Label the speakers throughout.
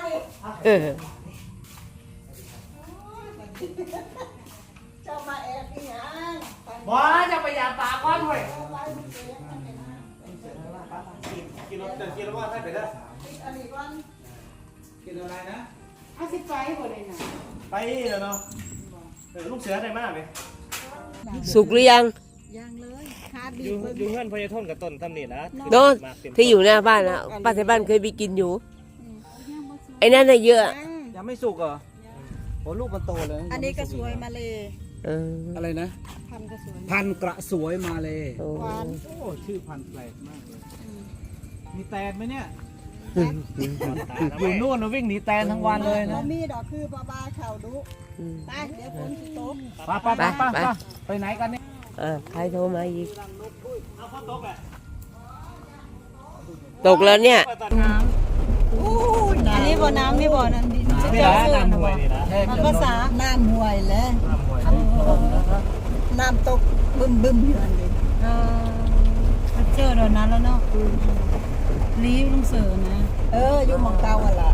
Speaker 1: เจ้ามาแอบอีหยัง
Speaker 2: บ่จะไปยาปลาก้อนเว้ยกินรถเดินกินรถว่าให้ไปได้กินอะไรนะ
Speaker 1: เอาสิไปบ่ได้น่ะ
Speaker 2: ไปแล้วเนาะลูกเสือได้มากไหม
Speaker 3: สุกหรือยัง
Speaker 1: ยังเลยคาบี
Speaker 2: อยู่เงื่อนพญาทนกับต้นทำนี่นะ
Speaker 3: โน่นที่อยู่หน้าบ้านนะป้าไทยบ้านเคยไปกินอยู่ไอ้นั่นน่ะเยอะ
Speaker 4: ยังไม่สุกเหรอโอ้ลูกมันโตเลย
Speaker 1: อันนี้ก็สวยมาเลย
Speaker 4: อะไรนะ
Speaker 1: พันก็สวย
Speaker 4: พันกระสวยมาเลย
Speaker 3: โอ้
Speaker 1: หวาน
Speaker 4: โอ้ชื่อพันแปลกมากเลยมีแตนไหมเนี่ย อยู่นู่นนะวิ่งหนีแตนทั้งวันเลยนะ
Speaker 1: มีดอกคือปลาบาเข่าดุไปเดี๋ยวฝนสิตก
Speaker 4: ไปไหนกันเนี่ย
Speaker 3: ใครโทรมาอีกตกแล้วเนี่ย
Speaker 1: อันนี้บ่อน้ำนี่บ่อน้ำดิน
Speaker 2: นี่นะน้ำห่วยนี่นะ
Speaker 1: มันภาษาน้ำห่วยแล้วน้ำตกบึ้มอยู่อันนี้
Speaker 5: เจอเดี๋ยวนั้นแล้วเนาะรีบลุงเสือนะ
Speaker 1: อยู่หมองเก่าอ่ะล่ะ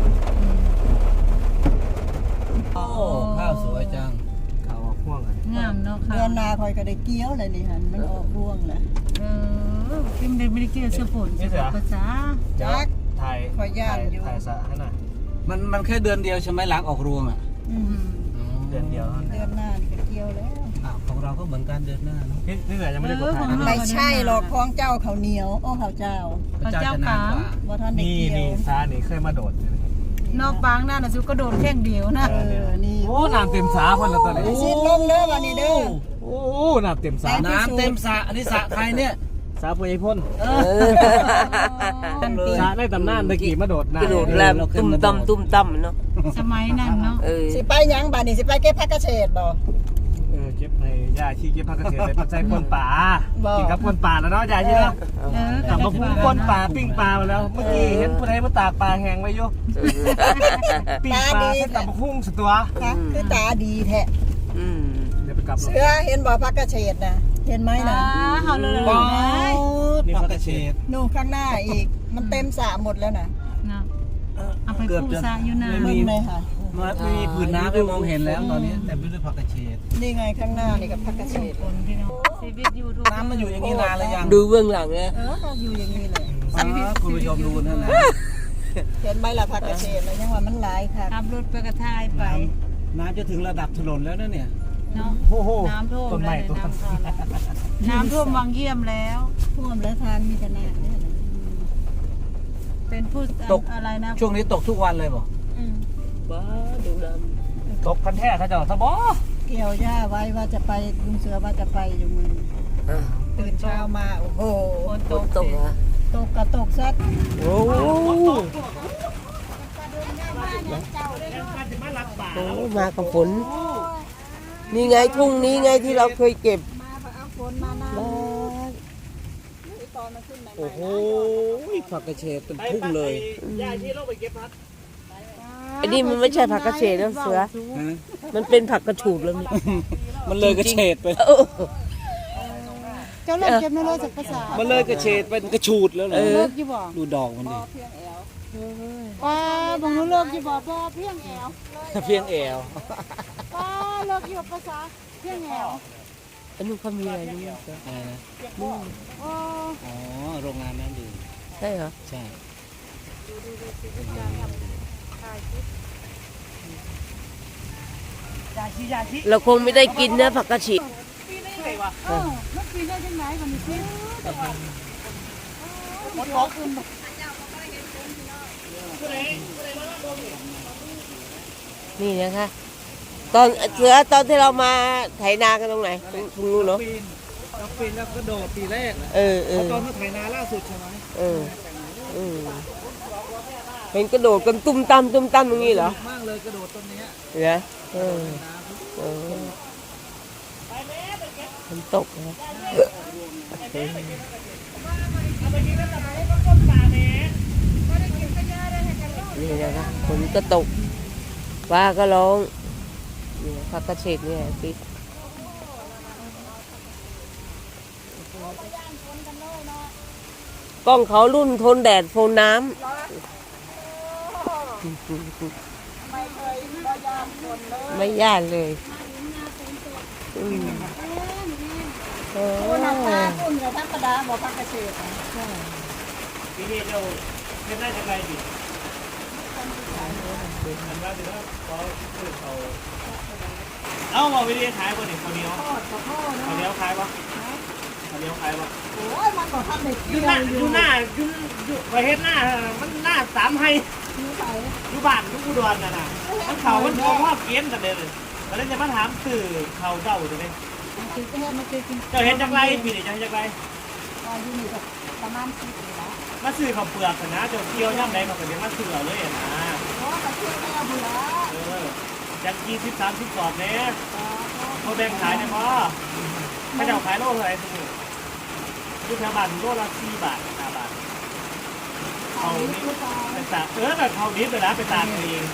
Speaker 4: โอ้ข้าวสวยจังข้าวพ่วงอ่ะ
Speaker 5: งามเนาะค่ะ
Speaker 1: เดือนนาคอยก็ได้เกี้ยวเลยนี่หันมันออกร่วงแล้ว
Speaker 5: พิมพ์ไม่ได้เกี่ยวเสื้อฝนภาษา
Speaker 1: จัก
Speaker 2: ถ่าย
Speaker 1: ขอย่านอยู่
Speaker 2: ถ่ายสะให้หน่อย
Speaker 4: มันแค่เดือนเดียวใช่ไหมหลังออกรวงอ่ะ
Speaker 2: เดือนเดียว
Speaker 1: เดือนหน้านี่ก็เกี้ยวแล้ว
Speaker 4: ของเราก็เหมือนกันเดือนหน้าเนาะ
Speaker 2: นี่เหลือยังไม่ได้กดถ่าย
Speaker 1: ไม่ใช่หรอกของเจ้าเขาวเหนียวโอ้เขาวเจ้า
Speaker 4: พระเจ้าจะนานกว่า
Speaker 1: บ่ทันได้
Speaker 2: นี่
Speaker 1: เกี่ยว
Speaker 2: นี่ซานี่เคยมาโดด
Speaker 5: นอกบางนั่นน่ะสุก็โดดแข้งเดียวนะ
Speaker 1: นี่
Speaker 4: โอ้น้ำเต็มสาเพิ่นละตัวนี้
Speaker 1: สิลงเด้อวันนี้เด้อ
Speaker 2: โอ้น้ำเต็มสา
Speaker 4: น้ำเต็มสระอันนี้สระใครเนี่ย
Speaker 2: สาพญาพ่น
Speaker 5: ตั้งปี
Speaker 2: สาได้ตำนานตะกี้มาโดดน้ำ
Speaker 3: กระโดดแลมตุ้มตั้มตุ้มตั้มเนาะ
Speaker 5: สมัยนั้นเนาะ
Speaker 1: สิไปหยังบัดนี้สิไปเก็บผักกระเฉดบ่
Speaker 2: เก็บในยาชีเก็บผักกระเทียมในปัจจัยปนป่า
Speaker 1: บอก
Speaker 2: กินกับปนป่าแล้วเนาะยาชีเนาะกลับมาพูดปนป่าปิ้งปลามาแล้วเมื่อกี้เห็นผู้ใดมาตากปลาแห้งไว้อยู่ปิ้งปลาให้กลับมาพุ่งสตัว
Speaker 1: ค่ะคือตาดีแท้
Speaker 2: เดี๋ยวไปกลับ
Speaker 1: เสือเห็นบ่ผักกระเฉดน่ะเห็นไหมน่ะ
Speaker 5: เขาเลย
Speaker 4: ป๊อดนี่ผักกระเฉด
Speaker 1: นู่นข้างหน้าอีกมันเต็มสระหมดแล้วน่ะ
Speaker 5: นะเอาไปปูซาอยู่นา
Speaker 1: มึงเลยค่ะ
Speaker 4: ไม่มีผืนน้ำให้มองเห็นแล้วตอนนี้แต่ไม่ด้วยผักกระเฉด
Speaker 1: นี่ไงข้างหน้านี่กับผักกระเฉด
Speaker 5: คนพี่น้องชีวิตยูทูบ
Speaker 4: น้ำมันอยู่อย่างนี้นานแล้วยัง
Speaker 3: ดูเบื้องหลังนะ
Speaker 1: ก็อยู่อย่างนี้เลย
Speaker 4: คุณผู้ชมดูนั่นนะ
Speaker 1: เห็นไหมล่ะผักกระเฉดแล้วยังว่ามันหลายค่ะ
Speaker 5: ขับรถไปกระทายไป
Speaker 4: น้ำจะถึงระดับถนนแล้วนะเนี่ย
Speaker 5: เนาะ
Speaker 2: โอ้โห
Speaker 5: น้ำท่วม
Speaker 2: ต้น
Speaker 5: เล
Speaker 2: ไม้
Speaker 5: ย
Speaker 2: ต้น
Speaker 5: น้ำท่วมน้ำท่วมวังเยี่ยมแล้ว
Speaker 1: ท่วมแล้วทางมีแต่น้ำเนี่ยนะ
Speaker 5: เป็นผู้อะไรนะ
Speaker 4: ช่วงนี้ตกทุกวันเลยบอก
Speaker 3: บ้าดูด
Speaker 2: ตกพันแท้เขาเจ้าสะบอ
Speaker 1: เกี่ยวหญ้าไว้ว่าจะไปลุงเสือว่าจะไปอยู่มือตื่นเช้ามาโอ้โห
Speaker 5: ฝนตก
Speaker 3: ตกเหรอ
Speaker 1: ตกกระตกซัด
Speaker 3: โอ้มากับฝนนี่ไงทุ่งนี้ไงที่เราเคยเก็บ
Speaker 1: มาเอาฝนมานะตอนมันขึ้นใหม่
Speaker 4: โอ้โหผักกระเฉดเป็นพุ่งเลย
Speaker 2: ยาชีเราไปเก็บพัก
Speaker 3: อันนี้มันไม่ใช่ผักกระเฉดนะเสือ มันเป็นผักกระฉูดแล้วนี่
Speaker 4: มันเลยกระเฉดไป
Speaker 5: เจ้าเลิกเก็บไม่เลิกจากภาษา
Speaker 4: มันเลยกระเฉดเป็นกระฉูดแล้วเหรอ
Speaker 5: เลิกยี่บอก
Speaker 4: ดูดอกมันดิ
Speaker 5: ป้าบางนู้เลิกยี่บอกป้าเพียงแอว
Speaker 4: เพียงแอว
Speaker 5: ป้าเลิกยี่ภาษาเพียงแอว
Speaker 3: อันนู้นเขามีอะไรนี่เสือ
Speaker 4: อะไรนะ
Speaker 5: อ๋อ
Speaker 4: อ๋อโรงงานน้ำดื่ม
Speaker 3: ใช่เหรอ
Speaker 4: ใช่
Speaker 2: ยาชี
Speaker 3: เราคงไม่ได้กินนะผักกระฉีด
Speaker 5: มันปีได้ยังไงมันมีที่
Speaker 3: นี่นะคะตอนเสือตอนที่เรามาไถนากันตรงไหนตรงนู้นเนาะ
Speaker 4: ปีนแล้วก็โดดปีแรก
Speaker 3: เออ
Speaker 4: ตอนมาไถนาล่าสุดใช่ไหม
Speaker 3: เห็นกระโดดกันตุ้มตั้มตุ้มตั้มอย่างนี้เหรอ
Speaker 4: มากเลยกระโดดตรงนี้
Speaker 3: เหรอมันตกนะนี่นะคะฝนก็ตกฟ้าก็ร้องนี่ผักกระเฉดเนี่ยติดกล้องเขารุ่นทนแดดทนน้ำ
Speaker 1: ไม่เคยบ่ยามคนเลย
Speaker 3: ไม่ย่านเลยอืมโอ้
Speaker 1: โอ้น้ำตาคุณกับธรรมดาบ่พักเกษตรนะ
Speaker 2: ปีนี้เจ้าเป็นได้จังไรดิอันว่าเดี๋ยวเขาซื้อเขาเอาบอกวิธีขายบ่เนี่ยเขาวเหนียว
Speaker 1: ทอดกับพ่อ
Speaker 2: เขาว
Speaker 1: เนาะ
Speaker 2: เหนียวขายปะเขาวเหนียวขายปะ
Speaker 1: โอ้ยมันก็ทำได้
Speaker 2: อ
Speaker 1: เดี
Speaker 2: ยู่
Speaker 1: ยว
Speaker 2: หน้า
Speaker 1: อ
Speaker 2: อยู่ ยู่หน้าอยู่ไปเฮ็ดหน้ามันหน้าสามให้
Speaker 1: อยู่ไป
Speaker 2: อยู่บ้านอยู่อุดรน่ะมันเขามันพอพ่อเกณฑ์กันเลยแล้วจะมาถามสื่อเขาเจ้าจะไหม
Speaker 1: มันคือแค่มันคือกิน
Speaker 2: เจ้าเห็นจังไรปีนี้เจ้าเห็นจังไร
Speaker 1: อยู่นี่ก็ประมาณ10ปีแล้ว
Speaker 2: มาซื้อข้าวเปลือกนะเจ้าเกี่ยวย่ำใดเขาก็เดี๋ยวมาซื้อเอาเลยนะ
Speaker 1: เพราะก็ชื่อแม่บุญแล้ว
Speaker 2: จาก20-30กรอบเนี้ยเขาแบ่งขายเนี่ยพ่อถ้าเจ้าขายโลเท่าไหร่ซื้ออยู่แถวบ้านโลละ4 บาท5 บาทเขานี่ไปตากแบบเขาดิบเลยนะไปตากเอง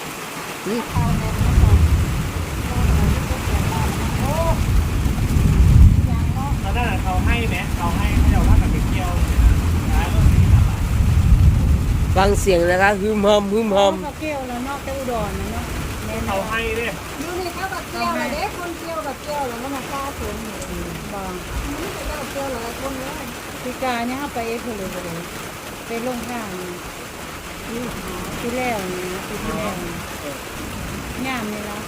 Speaker 2: ตอนนั้นเขาให้ไหมเขาให้เจ้าว่ากับไปเกี่ยวขายโลละ4 บาท
Speaker 3: ฟังเสียงนะคะฮึมฮอมฮึมฮอม
Speaker 5: ก็เกี่ยวแล้วเนาะแต่อุดรนะเนาะแม่น
Speaker 2: เขาให้เนี่ย
Speaker 1: อยู่นี่เขาก็เกี่ยวเลยเด็กคนเกี่ยวกับเกี่ยวแล้วมันมาฆ่าสวนนี่
Speaker 5: บาง
Speaker 1: นี่ก็เจ้าเกี่ยวหลายคนเลย
Speaker 5: ปีกายเนี่ยเฮาไปเอ็กซ์เลยไปลงข้างนี่ที่แล้วนี่ปีที่แล้วนี่งามนี่เนาะ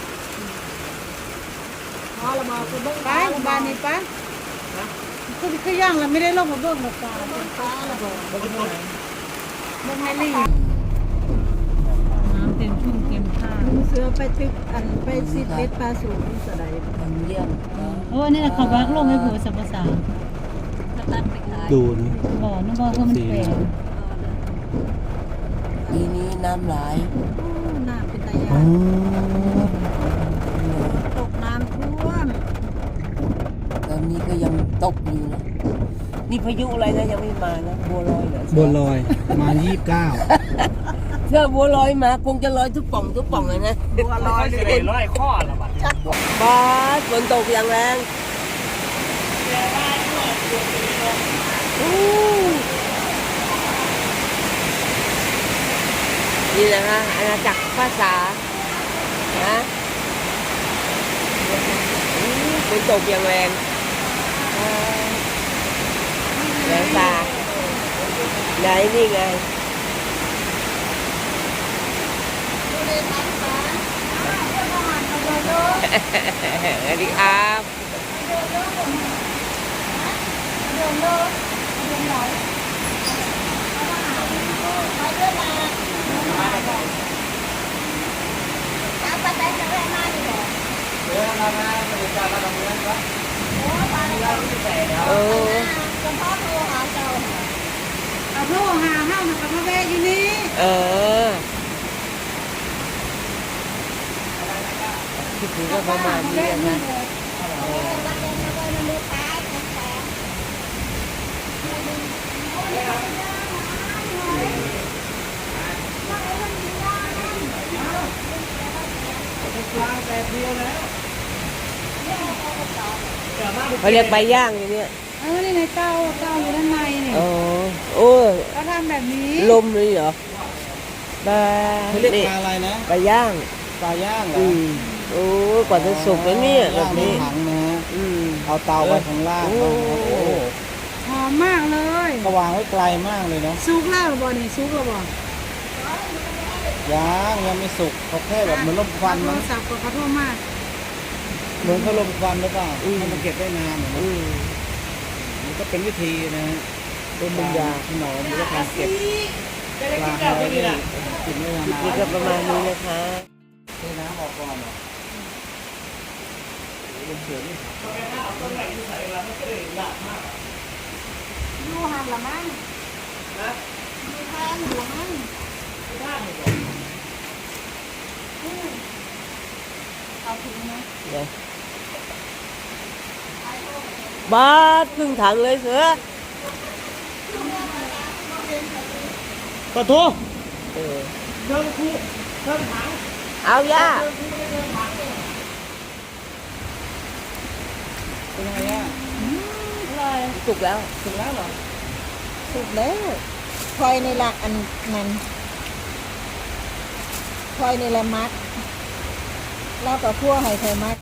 Speaker 1: พอเรามาคือเบิ้ง
Speaker 5: ไปบ้านนี้ไปคือย่างแล้วไม่ได้ลงมาเบิ่งหรอกตา
Speaker 1: เบิ้งฟ้าระบบ
Speaker 5: เบิ่งให้ลีน้ำเต็มชุ่มเต็มท่า
Speaker 1: ลุงเสือไปตึกอันไปซิดเบ็ดปลาสูงสะใด
Speaker 3: เยี่ยม
Speaker 5: โอ้นี่เขาบักลงให้ผัวสัมภาษา
Speaker 1: ตัดไปขาย
Speaker 4: ดูนี่
Speaker 5: บ่นึกว่ามันแปลก
Speaker 3: ปีนี้น้ำไหล
Speaker 1: น้ำเป็นตา
Speaker 4: อ๋
Speaker 1: ยา
Speaker 4: อ
Speaker 1: ตกน้ำท่วม
Speaker 3: ตอนนี้ก็ยังตกอยู่นะนี่พายุอะไรนะยังไม่มานะบัวลอยเหรอ
Speaker 4: บัวลอยมา29
Speaker 3: เชื่อบัวลอยมาคงจะลอยทุกป่องเลยนะ
Speaker 1: บัวลอย
Speaker 2: จะได้ร้อยข้อละบาท
Speaker 1: ชัก
Speaker 3: บาสฝนตกอย่างแรงอู้นี่นะคะอาณาจักรภาษานะอู้ฝนตกอย่างแรงแรงตาไหนนี่ไง
Speaker 1: ดูเลยน้ำฟ้า
Speaker 3: สวัสดีครับ
Speaker 1: เดินเลยเดินไหนไปเดินมาตามไปแต่จะแวะมาดีกว่าโอ้ปลา
Speaker 3: เออ
Speaker 1: จะพ่อโทรหาเจ้า
Speaker 5: เอาโทรหาเฮามันก็มาแวะอยู่นี่
Speaker 3: เออคิดถึงก็ประมาณนี้นะ เขาเรียกใบย่างอย่างเนี้ย
Speaker 5: นี่ในเต้าอยู่ด้านในนี่
Speaker 3: อ๋อโอ้ย
Speaker 5: ก็ทำแบบนี้
Speaker 3: ลมเลยเหรอใบ
Speaker 4: เขาเรียก
Speaker 3: นี่
Speaker 4: ปลาอะไรนะ
Speaker 3: ใบย่าง
Speaker 4: ปลาย่างเหรอ
Speaker 3: โอ้กว่าจะสุกแล้วเนี่ยแบบนี้
Speaker 4: ย่างในถังนะฮะ
Speaker 3: อืม
Speaker 4: เอาเตาไว้ข้างล่าง
Speaker 3: โอ้
Speaker 4: นะโอ้โห
Speaker 5: หอมมากเลย
Speaker 4: ก็วางไว้ไกลมากเลยเนาะ
Speaker 5: ซุกแล้วหรือบ่นี่ซุกแล้วบ่
Speaker 4: ยังไม่สุกเขาแค่แบบเหมือนลมควัน
Speaker 5: โทร
Speaker 4: นะ
Speaker 5: ศัพท์ก็ขอโทษมาก
Speaker 4: เหมือนเขาลมควันหรือเปล่าให้มันเก็บได้นานเหมือนกัน
Speaker 3: อืม
Speaker 4: มันก็เป็นวิธีนะฮะ
Speaker 3: เป็นบรรยา
Speaker 4: ขนมหรือว่าการเก็บ
Speaker 2: จะได้
Speaker 4: ปลา
Speaker 2: กิน
Speaker 4: อะไร
Speaker 2: เจ้าที่นี่
Speaker 4: เนี่ย
Speaker 2: นะ
Speaker 4: กินได้นาน
Speaker 3: นี่ก็ประมาณนี้นะคะ
Speaker 4: เทน้ำออกก่อนเหรอเป็นเสือนี่
Speaker 1: ดูหันละมั้งดูทานหัวมั้ง เอาถึงไหม
Speaker 3: เดี๋ยวบาสครึ่งถังเลยเสือ
Speaker 2: ปะโถ
Speaker 3: เออ
Speaker 2: เดินคู่เดินถัง
Speaker 3: เอาย่า
Speaker 4: เป็นไงอ่ะ
Speaker 3: สุกแล้ว
Speaker 4: ถึงแล้วเหรอ
Speaker 1: สุดแล้วคอยในหลักอันนั้นคอยนี่แหละมักเราก็คั่วให้คอยมัก